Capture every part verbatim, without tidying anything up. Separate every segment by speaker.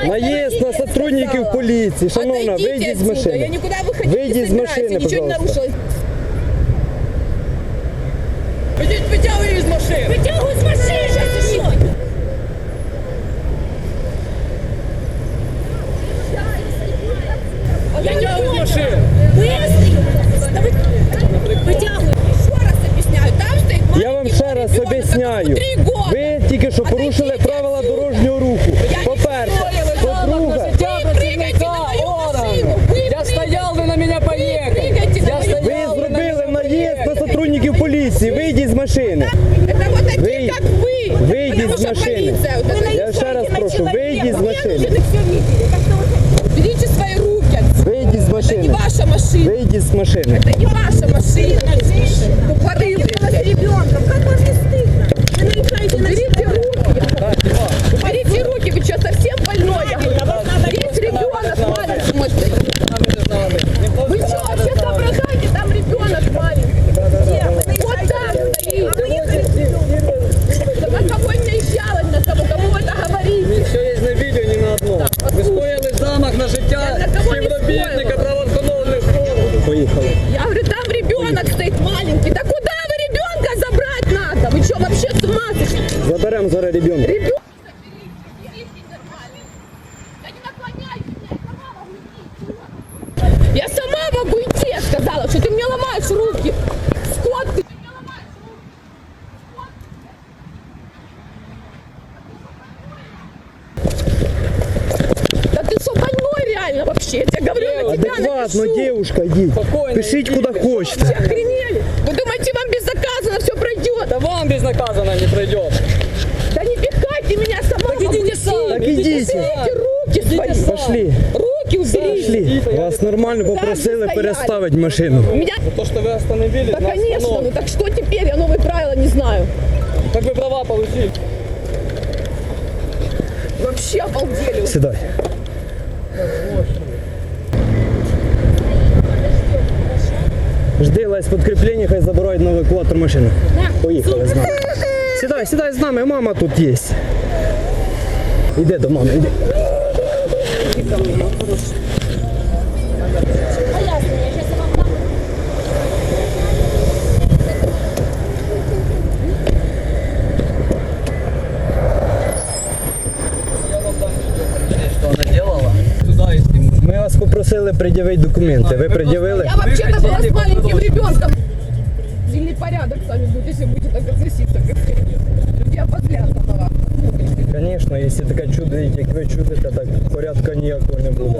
Speaker 1: Наезд на сотрудников полиции. Шановна, выйди из машины.
Speaker 2: Я никуда выходить
Speaker 1: Выйди
Speaker 2: не
Speaker 1: из
Speaker 2: собираюсь,
Speaker 1: машины,
Speaker 2: я ничего не
Speaker 1: пожалуйста.
Speaker 2: нарушила. Вытягивай из машины. Вытягивай из машины, сейчас еще. Вытягивай из машины. Вытягивай. Еще раз объясняю, там стоит маленький
Speaker 1: Я вам ще раз
Speaker 2: ребенок,
Speaker 1: об'ясняю.
Speaker 2: которому три года.
Speaker 1: Ви тільки що порушили правила дорожнього руху. По-перше, по-друге,
Speaker 2: Вы прыгайте на мою машину. Вы
Speaker 3: Я стоял, вы на меня поехали.
Speaker 2: прыгайте на
Speaker 3: Я
Speaker 2: мою
Speaker 3: стоял.
Speaker 1: ви зробили наїзд на сотрудників поліції. Вийдіть з машини.
Speaker 2: Это вот такие,
Speaker 1: Вы-
Speaker 2: как вы.
Speaker 1: выйди
Speaker 2: Потому
Speaker 1: из
Speaker 2: что
Speaker 1: машины.
Speaker 2: полиция вот это.
Speaker 1: Я ще раз прошу, вийдіть з машини.
Speaker 2: Берите свои руки отсюда.
Speaker 1: Вийдіть з
Speaker 2: Это не
Speaker 1: машини.
Speaker 2: ваша машина.
Speaker 1: Вийдіть з машини.
Speaker 2: Это не ваша машина. Тупорылые, блядь.
Speaker 4: Ребенком, как вам не стыдно? Вы наезжаете на
Speaker 2: Уберите руки. Уберите руки, вы что, совсем больной? Есть ребенок маленький, мой стоит. Вы что, вообще соображаете? Там ребенок маленький. Вот так стоит. Да на кого не наезжалась на кого? Кому вы это говорите?
Speaker 3: Все є на відео, ні на одному. Ви скоїли замах на життя
Speaker 2: Я на кого не
Speaker 3: співробітника
Speaker 2: скоїла.
Speaker 3: правоохоронних органів.
Speaker 1: Поїхали.
Speaker 2: Я говорю, там ребенок стоит маленький. Да куда вы ребенка забрать надо? Вы что, вообще с ума сошли?
Speaker 1: Заберемо зараз ребенка.
Speaker 2: Ребенок. Я сама могу идти, я сказала, что ты мне ломаешь руки. Скот ты. Да ты что, больной реально вообще? Я тебе говорю, на тебя
Speaker 1: Адекватно,
Speaker 2: напишу.
Speaker 1: девушка, йдіть.
Speaker 3: Спокойно,
Speaker 1: Пишіть
Speaker 3: йдіть.
Speaker 1: куди хочете.
Speaker 2: Вы охренели? Вы думаете, вам безнаказанно все пройдет?
Speaker 3: Да вам безнаказанно не пройдет.
Speaker 2: Да не пихайте меня, сама
Speaker 3: Так
Speaker 2: могу
Speaker 3: идите
Speaker 2: идти.
Speaker 3: сами.
Speaker 1: Так идите.
Speaker 2: Уберите руки свои.
Speaker 3: сами.
Speaker 1: Пошли.
Speaker 2: Руки уберите.
Speaker 1: Пішли. Вас нормально попросили
Speaker 2: стояли.
Speaker 1: переставити машину.
Speaker 2: Меня...
Speaker 3: То, что вы остановились
Speaker 2: Да,
Speaker 3: на
Speaker 2: конечно, ну
Speaker 3: остановке.
Speaker 2: так что теперь? Я новые правила не знаю.
Speaker 3: Так вы права получили.
Speaker 2: Вообще обалдели.
Speaker 1: Сідай. Жди, лезь підкріплення, хай забирають на евакуатор машину. Поїхали з нами. Сідай, сідай з нами, мама тут є. Іди до мами, іди.
Speaker 3: Что она делала? Туда и сниму.
Speaker 1: Ми вас попросили пред'явити документи. Ви пред'явили?
Speaker 2: Я вообще-то была с маленьким ребенком. Сильный порядок с вами будет, если будете так относиться. Как я подлянка на вас.
Speaker 1: Звісно, якщо таке чудо, як ви чудите, так порядку ніякого не буде.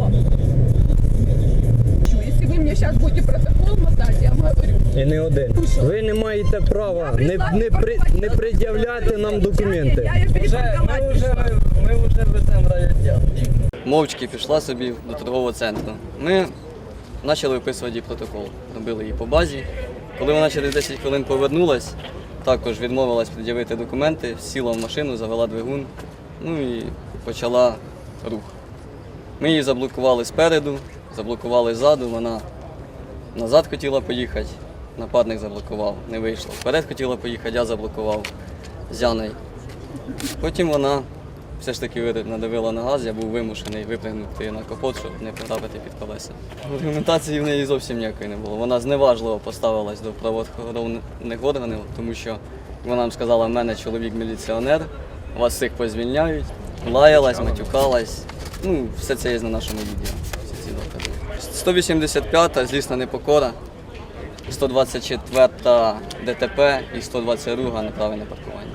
Speaker 2: Если вы мне сейчас будете протокол мотать, я вам говорю.
Speaker 1: І не один. Ви не маєте права не, не, при, не пред'являти нам документи.
Speaker 2: Я ее
Speaker 3: Вже,
Speaker 2: перепарковать
Speaker 3: ми вже,
Speaker 2: пришла.
Speaker 3: ми вже веземо в райвідділ.
Speaker 5: Мовчки пішла собі до торгового центру. Ми почали виписувати їй протокол, робили її по базі. Коли вона через десять хвилин повернулась, також відмовилась пред'явити документи, сіла в машину, завела двигун, ну і почала рух. Ми її заблокували спереду, заблокували ззаду, вона назад хотіла поїхати, нападник заблокував, не вийшло. Вперед хотіла поїхати, я заблокував з Яною. Потім вона все ж таки надавила на газ, я був вимушений випрыгнути на капот, щоб не потрапити під колеса. Аргументації в неї зовсім ніякої не було. Вона зневажливо поставилась до правоохоронних органів, тому що вона нам сказала, в мене чоловік міліціонер, вас всіх позвільняють, лаялась, матюкалась. Ну, все це є на нашому відео. Всі ці докази. сто вісімдесят п'ята злісна непокора, сто двадцять четверта ДТП і сто двадцять друга неправильне паркування.